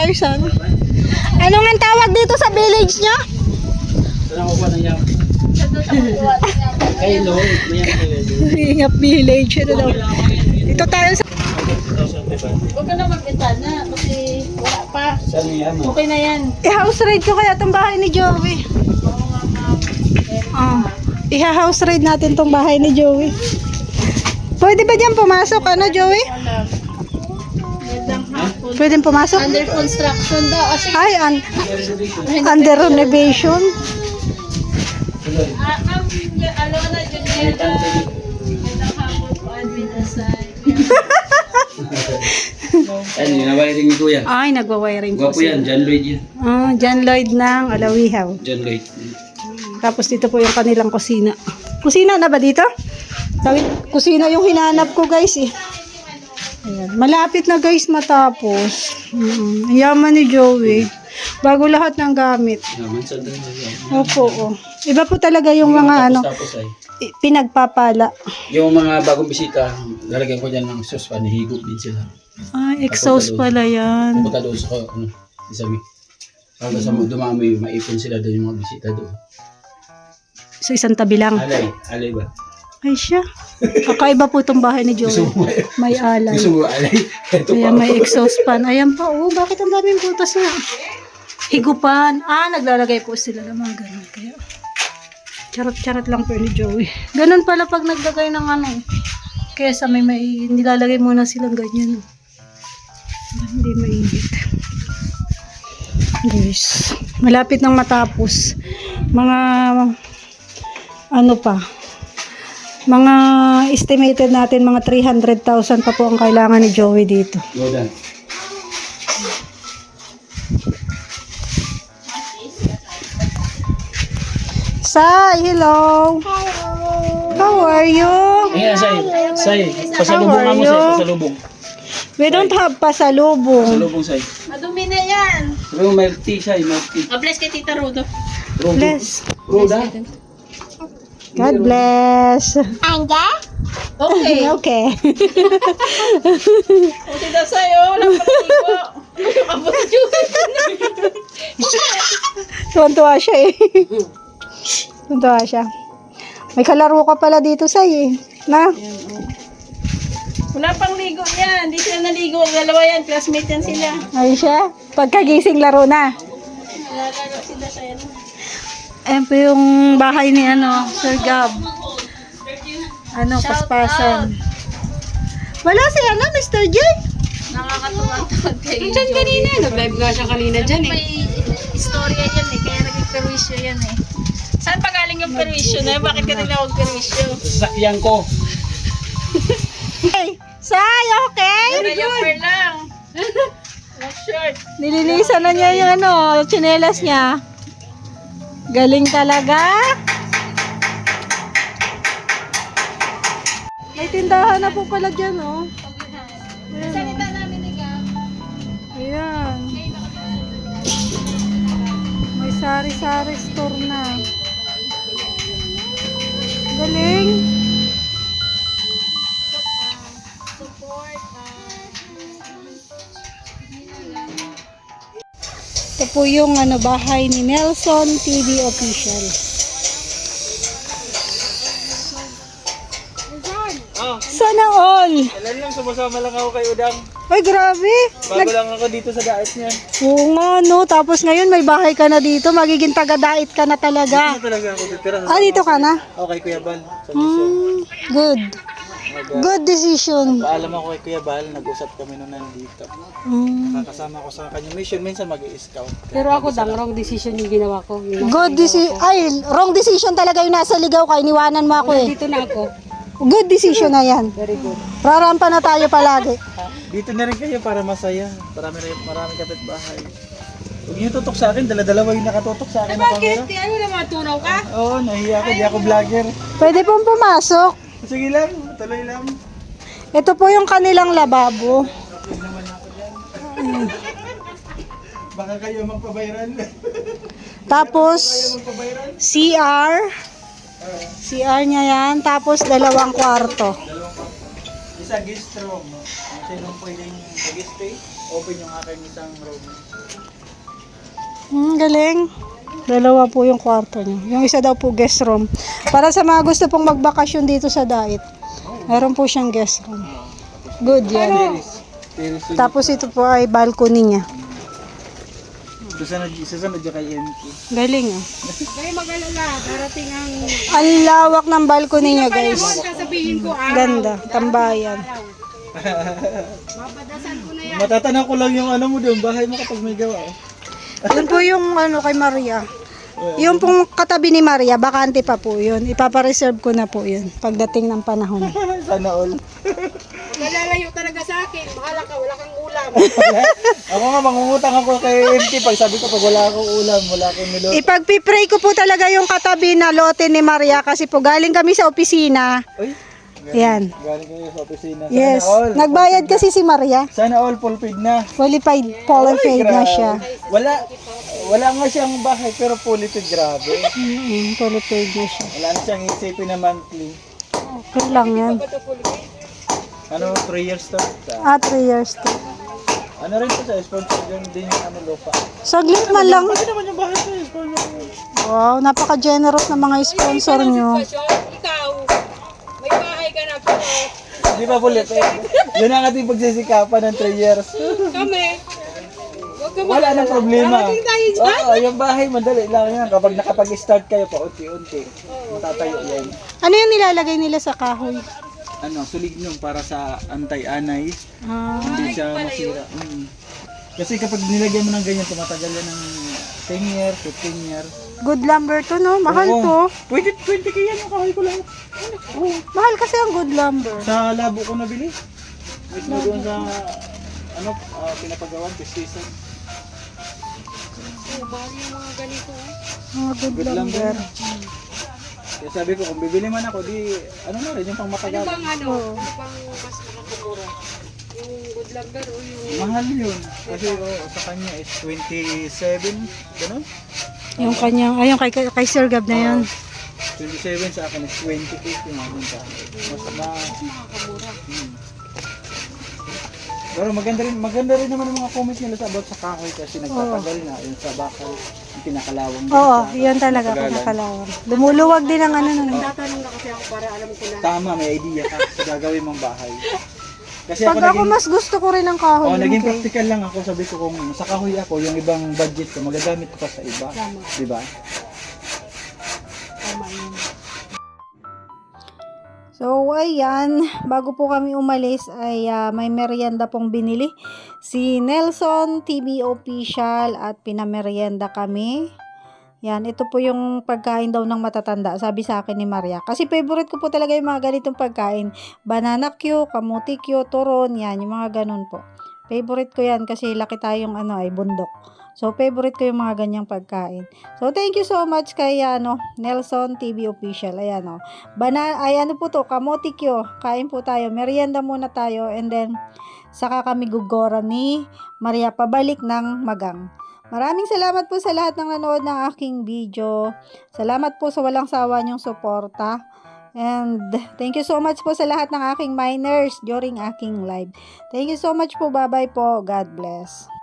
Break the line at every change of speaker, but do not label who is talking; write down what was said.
guys. Ano nga tawag dito sa village nyo?
Saan ako ba nangyam? Kay Lord,
Ingap village. Ano daw? Dito tayo sa...
Huwag ka na mag-intana kasi wala pa.
Saan nangyam?
Okay na yan.
I-house raid ko kaya itong bahay ni Joey. I-house raid natin itong bahay ni Joey. Pwede ba dyan pumasok? Ano, Joey? Pwede pumasok?
Under construction daw.
Ay, under renovation.
Alona, Julieta. Magandang hapon po, admin aside.
Ano, nawaring ni Kuya.
Ay, nagwa-wiring po
Gwapo yan, John Lloyd yan.
John Lloyd ng Alawihaw.
John Lloyd.
Tapos dito po yung kanilang kusina. Kusina na ba dito? Kusina yung hinanap ko guys eh. Ayan. Malapit na guys matapos. Yaman ni Joey. Bago lahat ng gamit.
Naman sa doon.
Opo. Iba po talaga yung mga ano,
Tapos ay.
pinagpapala.
Yung mga bagong bisita, lalagyan ko dyan ng sauce pa, nahigop din sila.
Ay, exhaust pala yan.
Pupunta doon sa, isabi. Pag sa dumami, maipon sila doon yung mga bisita doon.
Sa isang tabi lang.
Alay ba?
Ay siya. Kakaiba po itong bahay ni Joey. May alay.
Gusto mo alay? Ito
Ayan,
pa.
may exhaust fan. Ayan pa. Oh, bakit ang daming butas na? Higupan. Naglalagay po sila ng mga ganun. Kaya, charot-charot lang po ni Joey. Ganun pala pag naglagay ng ano. Kesa may nilalagay muna silang ganyan. Hindi mainit. Guys, malapit nang matapos. Mga, ano pa, mga estimated natin mga 300,000 pa po ang kailangan ni Joey dito.
Go down.
Sai, hello. How are you?
Ayan, Say. Pasalubong nga mo, Say. Pasalubong.
We don't have pasalubong.
Pasalubong, Say.
Madumi na yan.
Pero milk tea, Say. Milk tea.
Bless kay Tita Rodo.
Bless.
Roda?
God bless.
Okay.
Okay.
Kasi daw sa'yo, wala pa ligo. Abot yun.
Tuwan-tuwa siya eh. Tuwan-tuwa siya. May kalaro ka pala dito, Sai eh. Na?
Wala pang ligo yan. Hindi sila naligo. Dalawa yan. Classmate yan sila.
Ay siya. Pagkagising laro na.
Nalalaro sila sa yan.
Ayan po yung bahay ni Sir Gab. Paspasan. Wala si Mr. J.
Nakakatuwa tawag kayo.
Diyan kanina, nag-live nga siya kanina dyan eh.
May istorya yan eh. Kaya naging perwisyo yan eh. Saan pa galing yung perwisyo na? Bakit ka tinawag perwisyo?
Sasakyan ko.
Hey, Sai, okay?
Diaper lang. No shirt.
Nilinisan na niya yung tsinelas niya. Galing talaga. May tindahan na po pala dyan, oh.
Salita namin ni Gab.
Ayan. May sari-sari store na. Galing.
Support.
Ito po yung bahay ni Nelson TV Official. Sana all.
Kailan lang, sumasama lang ako kay Udang.
Ay, grabe.
Bago lang ako dito sa daet niya.
Oo nga, no. Tapos ngayon may bahay ka na dito. Magiging taga-dait ka na talaga.
Talaga ako titira
Dito ka na?
Okay, Kuya Bal. Sa mission.
Good. Good decision.
Paalam ako kay Kuya Bal, nag-usap kami nung nandito. Nakakasama ko sa kanyang mission, minsan mag-i-scout.
Pero ako wrong decision yung ginawa ko.
Good decision. Ay, wrong decision talaga yung nasa ligaw ka. Iniwanan mo ako eh.
Dito na ako.
Good decision na yan.
Very good.
Rarampa na tayo palagi.
Dito na rin kayo para masaya. Maraming kapitbahay. Huwag niyo tutok sa akin, dala-dalawa yung nakatutok sa akin na camera.
Ano naman, tunaw ka?
Oo, nahiya ako, di ako vlogger.
Pwede pong pumasok.
Sige lang, tuloy lang.
Ito po yung kanilang lababo.
Baka kayo magpa-viral.
Tapos, CR. CR niya yan. Tapos, 2 kwarto.
Isa guest room. Kung sinong pwedeng mag-stay, open yung aking isang room.
Galing. Dalawa po yung kwarto niyo. Yung isa daw po guest room. Para sa mga gusto pong magbakasyon dito sa Dait. Meron po siyang guest room. Good yan.
Terrace.
Tapos ito po ay balcony niya.
Susunod dyan kay MK.
Galing ah.
Kaya mag-alala, darating ang
Ang lawak ng balcony niya guys.
sasabihin ko
Ganda. Tambayan.
Babadasan ko na yan.
Matatanaw ko lang yung ano mo doon, bahay mo kapag may gawa.
Yun po yung ano kay Maria. Yung pong katabi ni Maria, bakante pa po yun. Ipapareserve ko na po yun pagdating ng panahon.
Sana all.
Malalayo talaga sa akin. Bahala ka, wala kang ulam.
Ako nga, mangungutang ako kay MK pag sabi ko pag wala akong ulam, wala akong nilot.
Ipagpipray ko po talaga yung katabi na lote ni Maria kasi po galing kami sa opisina.
Uy,
Yan.
galing kayo sa opisina. Sana
Yes.
all.
Nagbayad kasi si Maria.
Sana all fulfilled na.
Qualified na siya.
Wala nga siyang bahay pero fully paid, grabe.
Qualified na siya.
Wala na siyang isipin na monthly.
Okay lang yan.
Ano, 3 years to? Sa,
3 years to.
ano rin to sa sponsor din yung ano, lupa.
Saglit man lang.
Pati naman yung bahay to, sponsor.
Wow, napaka-generous ng mga sponsor nyo.
Ikaw, may bahay ka na pero
Di ba ulit eh? Yun ang ating pagsisikapan ng 3 years.
kami.
Wala nang problema. Oo, yung bahay madali lang yan. Kapag nakapag-start kayo pa unti-unti, matatayo yan.
Ano yung nilalagay nila sa kahoy?
Ano, sulignum para sa anti-anay.
Ah,
Hindi siya masira. Kasi kapag nilagyan mo ng ganyan, tumatagal yan ng 10 years, 15 years.
good lumber to, no? Mahal
Oo.
to.
Pwede 20 kaya yung kahoy ko lang. Oo.
Mahal kasi ang good lumber.
Sa labo ko nabili. Mismo doon sa ano, pinapagawan, season.
Mahal yung mga ganito.
Mga good
Good lumber.
lumber.
Kaya sabi ko, kung bibili man ako, di, ano na rin, yung pang matagal.
Pang ano, pang mas makakamura. Yung good lumber o yung
Mahal yun. Kasi sa kanya is 27, gano'n?
Yung kanyang, yung kay Sir Gab na yan.
27 sa akin is 28 yung akin sa akin. Mas
makakamura.
Pero maganda rin naman ang mga comments nila sa about sa kahoy kasi nagtatagal na yung sa bakal, yung pinakalawang din
Oo,
sa-
yun talaga,
matagalan.
pinakalawang. Lumuluwag din ang ano nun.
Tatanong na kasi ako para alam ko na.
Tama, may idea ka sa gagawin mong bahay. Kasi
Pag ako mas gusto ko rin ang kahoy.
oh, naging
okay.
practical lang ako. Sabi ko kung sa kahoy ako, yung ibang budget ko, magagamit ko pa sa iba. Di ba?
Tama yun.
So, ayan, bago po kami umalis ay may merienda pong binili. Si Nelson TV Official at pinamerienda kami. Yan, ito po yung pagkain daw ng matatanda, sabi sa akin ni Maria. Kasi favorite ko po talaga yung mga ganitong pagkain. Banana Q, kamuti Q, turon, yan, yung mga ganun po. Favorite ko yan kasi laki tayong ay bundok. So, favorite ko yung mga ganyang pagkain. So, thank you so much kay Nelson TV Official. Ayan ano po to, kamote Q. Kain po tayo. Merienda muna tayo. And then, saka kami gugora ni Maria pabalik ng Magang. Maraming salamat po sa lahat ng nanood ng aking video. Salamat po sa walang sawa niyong suporta. And thank you so much po sa lahat ng aking miners during aking live. Thank you so much po. Bye-bye po. God bless.